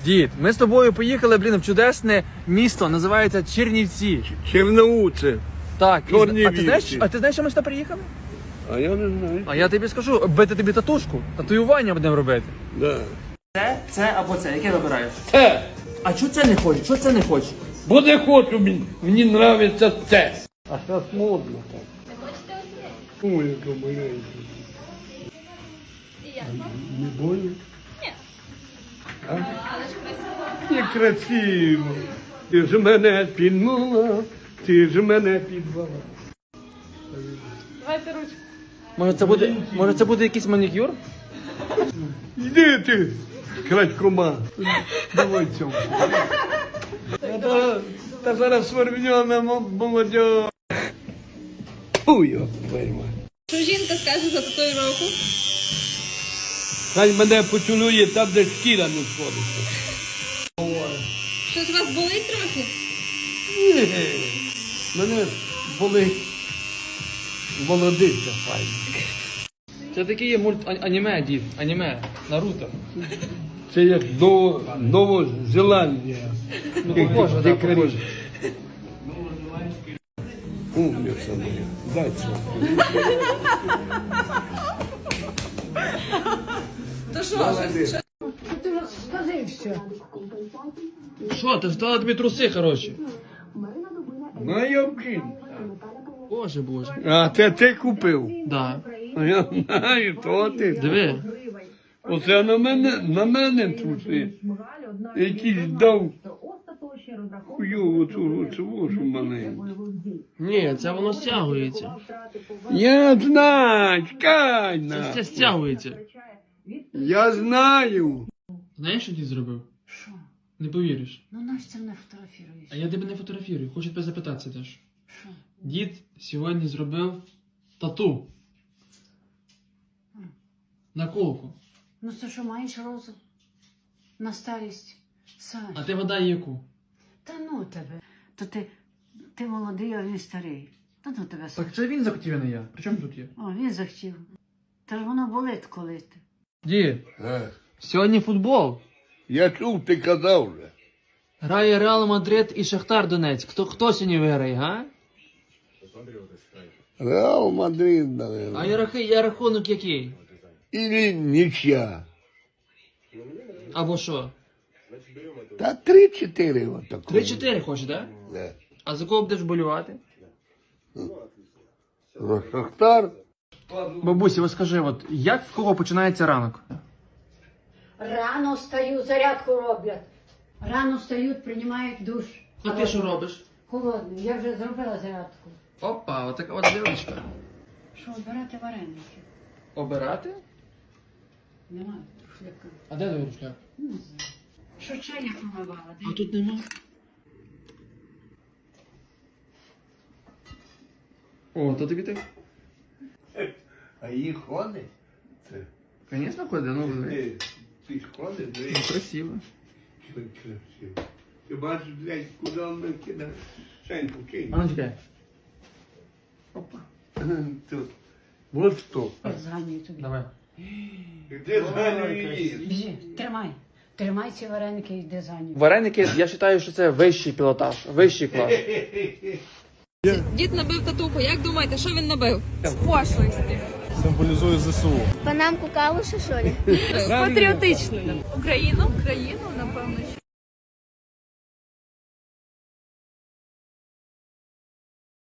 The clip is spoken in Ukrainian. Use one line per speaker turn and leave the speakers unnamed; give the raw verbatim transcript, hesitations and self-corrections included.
Дід, ми з тобою поїхали, блін, в чудесне місто, називається Чернівці.
Черноуце.
Так, і,
Чорнівці.
а ти знаєш, а ти знаєш, що ми сюди приїхали?
А я не знаю.
А я тобі скажу, бити тобі татушку, татуювання будемо робити.
Да.
Це, це або це, яке вибираєш?
Це.
А чого це не хочеш? Чого це не хочеш?
Бо не хочу, мені, мені нравиться це. А зараз модно так. Ой, яка маленька. Не больно? Ні. А? Але ж красиво. Не красиво. Ти ж мене підмала, ти ж мене підвала.
Давайте ручку.
Може це буде, може це буде якийсь манікюр?
Йди ти, крадькома. Давай цьому. Та, та зараз свербньона молодь. Ой, йо, твою мать.
Що жінка скаже за татуїровку?
Хай мене поцілує там, де шкіра не сходиться.
Щось у вас болить трохи?
Ні, мене болить молодиця файна.
Це такий є мульт а- аніме, дід, аніме, Наруто.
Це як Ново, Новозеландія.
Ну, похоже, да, похоже.
Умниця моя. Дай це.
То що? Що?
Ти розкажи все.
Що, ти ж дала тобі труси, хороші?
На Йовкін.
Боже, боже.
А це ти купив?
Да.
А я знаю, то ти.
Диви.
Оце на мене, на мене труси. Якийсь дав хуйову цю оцю маленьку.
Ні, це воно стягується.
Я знаю, чекай
Це,
на.
це стягується.
Я знаю.
Знаєш, що дід зробив?
Що?
Не повіриш.
Ну наш це не фотографіруєш.
А я тебе не фотографірую, хочу тебе запитатися теж.
Що?
Дід сьогодні зробив тату. На колку.
Ну це що, маєш розум? На старість? Саш.
А ти вода яку?
Та ну тебе. То ти, ти молодий, а він старий. Та ну тебе, Саш.
Так це він захотів, а не я. При чому тут є?
О, він захотів. Та ж воно болить, коли ти.
Дід,
Е,
сьогодні футбол.
Я чув, ти казав вже.
Грає Реал Мадрид і Шахтар Донецьк. Хто, хто сьогодні виграє, га?
Реал Мадрид,
А
наверное.
я, рахи- я рахунок який?
Или нічия.
Або що?
Та три-чотири отако.
три-чотири хочеш, так? Да?
Да.
А за кого будеш болювати?
За Шахтар.
Бабусі, ось скажи, от як в кого починається ранок?
Рано встаю, зарядку роблять. Рано встають, приймають душ.
А ти що робиш?
Холодний. Я вже зробила зарядку.
Опа, отака от дівчинка.
Що, обирати вареники?
Обирати?
Немає шляка.
А де твій рушляк?
Не знаю. Що чайник помивала?
А тут нема. О, то тобі так?
А її ходить? Це.
Звісно, ходить, ну диви.
Ти, ти ж ходиш,
Ну, красиво.
красиво. Ти бачиш, блядь, куди вона кидає? Шеньку кинь.
А ну чекай. Опа.
Тут. Вот що.
Зганюю тобі.
Давай.
Де зганюєш?
Біжи, тримай. Тримай ці вареники і йди за ним.
Вареники, я вважаю, що це вищий пілотаж, вищий клас.
Дід набив татуху. Як думаєте, що він набив? З пошлості.
Символізує ЗСУ.
Панамку калуша, що ли?
Патріотичною. Україну, країну, напевно,